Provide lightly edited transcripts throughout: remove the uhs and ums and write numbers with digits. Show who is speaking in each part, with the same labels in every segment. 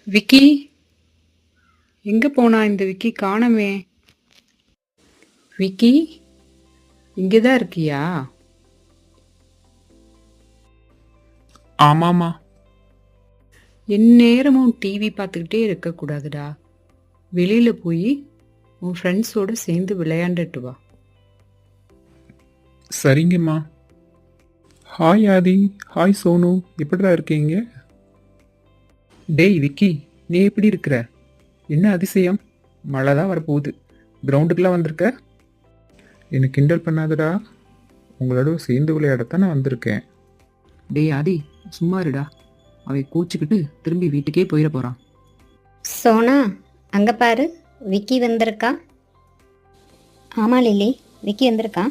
Speaker 1: விக்கி, எங்க போனா இந்த விக்கி? காணமே. விக்கி, இங்கதான் இருக்கியா?
Speaker 2: ஆமாமா.
Speaker 1: எந்நேரமும் டிவி பார்த்துக்கிட்டே இருக்கக்கூடாதுடா. வெளியில போய் உன் ஃப்ரெண்ட்ஸோட சேர்ந்து விளையாண்டுட்டு வா.
Speaker 2: சரிங்கம்மா. ஹாய் ஆதி, ஹாய் சோனு, எப்படிடா இருக்கீங்க? டேய் விக்கி, நீ எப்படி இருக்கிற? என்ன அதிசயம், மழை தான் வரப்போகுது, கிரவுண்டுக்கெல்லாம் வந்திருக்க? என்னை கிண்டல் பண்ணாதடா, உங்களோட சேர்ந்து விளையாடத்தான் நான் வந்திருக்கேன்.
Speaker 3: டேய் ஆதி, சும்மா இருடா. அவை கூச்சிக்கிட்டு திரும்பி வீட்டுக்கே போயிட போகிறான்.
Speaker 4: சோனா, அங்கே பாரு, விக்கி வந்திருக்கா. ஆமாம் லில்லி, விக்கி வந்திருக்கா.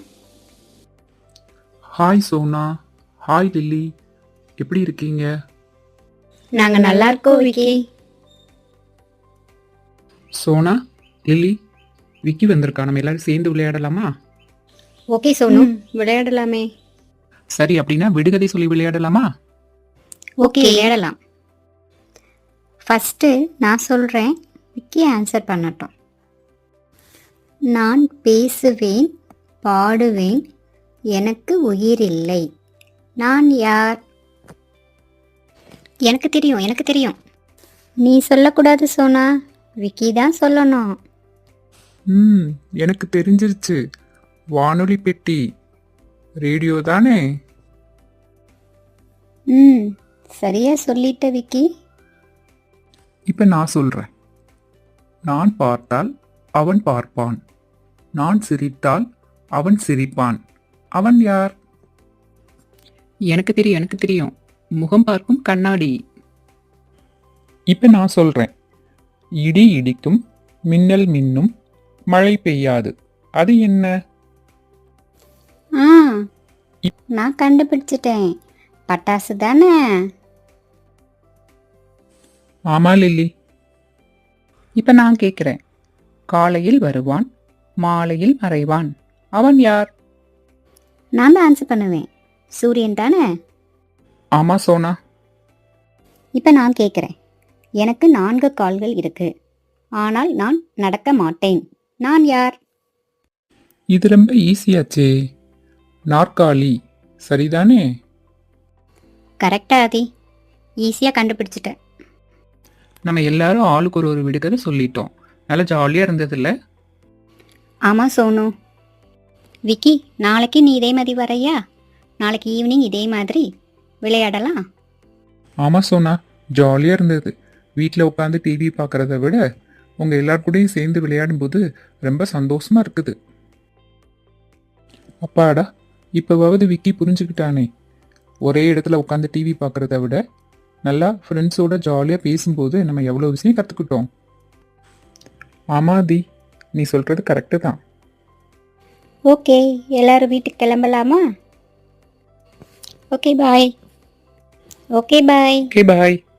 Speaker 2: ஹாய் சோனா, ஹாய் லில்லி, எப்படி இருக்கீங்க?
Speaker 4: நாங்கள் நல்லா இருக்கோம் விக்கி.
Speaker 2: சோனா, லில்லி, விக்கி வந்திருக்கா, நம்ம எல்லாரும் சேர்ந்து விளையாடலாமா?
Speaker 4: ஓகே சோனு, விளையாடலாமே.
Speaker 2: சரி, அப்படின்னா விடுகதை சொல்லி விளையாடலாமா?
Speaker 4: ஓகே, விளையாடலாம். ஃபஸ்ட்டு நான் சொல்கிறேன், விக்கி ஆன்சர் பண்ணட்டும். நான் பேசுவேன், பாடுவேன், எனக்கு உயிர் இல்லை. நான் யார்? எனக்கு தெரியும், எனக்கு தெரியும். நீ சொல்லக்கூடாது சோனா, விக்கி தான் சொல்லணும்.
Speaker 2: எனக்கு தெரிஞ்சிருச்சு, வானொலி பெட்டி, ரேடியோ தானே?
Speaker 4: சரியா சொல்லிட்ட விக்கி.
Speaker 2: இப்போ நான் சொல்கிறேன். நான் பார்த்தால் அவன் பார்ப்பான், நான் சிரித்தால் அவன் சிரிப்பான். அவன் யார்?
Speaker 3: எனக்கு தெரியும், எனக்கு தெரியும். முகம் பார்க்கும் கண்ணாடி.
Speaker 2: இப்போ நான் சொல்கிறேன். இடி இடிக்கும், மின்னல் மின்னும், மழை பெய்யாது. அது என்ன?
Speaker 4: ஆ, நான் கண்டுபிடிச்சிட்டேன். பட்டாசு தானே?
Speaker 2: ஆமா லில்லி.
Speaker 3: இப்போ நான் கேட்குறேன். காலையில் வருவான், மாலையில் மறைவான். அவன் யார்?
Speaker 4: நான் தான் ஆன்சர் பண்ணுவேன். சூரியன் தானே?
Speaker 2: ஆமா சோனா.
Speaker 4: இப்போ நான் கேட்குறேன். எனக்கு 4 கால்கள் இருக்கு, ஆனால் நான் நடக்க மாட்டேன். நான் யார்?
Speaker 2: இது ரொம்ப ஈஸியாச்சே, நாற்காலி. சரிதானே?
Speaker 4: கரெக்டா ஆதி, ஈஸியாக கண்டுபிடிச்சிட்டேன்.
Speaker 3: நம்ம எல்லாரும் ஆளுக்கு ஒரு விடுகதை சொல்லிட்டோம். நல்லா ஜாலியாக இருந்ததில்ல?
Speaker 4: ஆமாம் சோனு. விக்கி, நாளைக்கு நீ இதே மாதிரி வரையா? நாளைக்கு ஈவினிங் இதே மாதிரி விளையாடலாம்.
Speaker 2: ஆமா சோனா, ஜாலியாக இருந்தது. வீட்டில் உட்காந்து டிவி பார்க்குறத விட உங்கள் எல்லார் கூடயும் சேர்ந்து விளையாடும்போது ரொம்ப சந்தோஷமா இருக்குது. அப்பாடா, இப்போவாவது விக்கி புரிஞ்சுக்கிட்டானே. ஒரே இடத்துல உட்காந்து டிவி பார்க்குறத விட நல்லா ஃப்ரெண்ட்ஸோட ஜாலியாக பேசும்போது நம்ம எவ்வளோ விஷயம் கற்றுக்கிட்டோம். ஆமாதி, நீ சொல்கிறது கரெக்டு தான்.
Speaker 4: ஓகே, எல்லாரும் வீட்டுக்கு கிளம்பலாமா? Okay bye. Okay bye.
Speaker 2: Okay பாய்.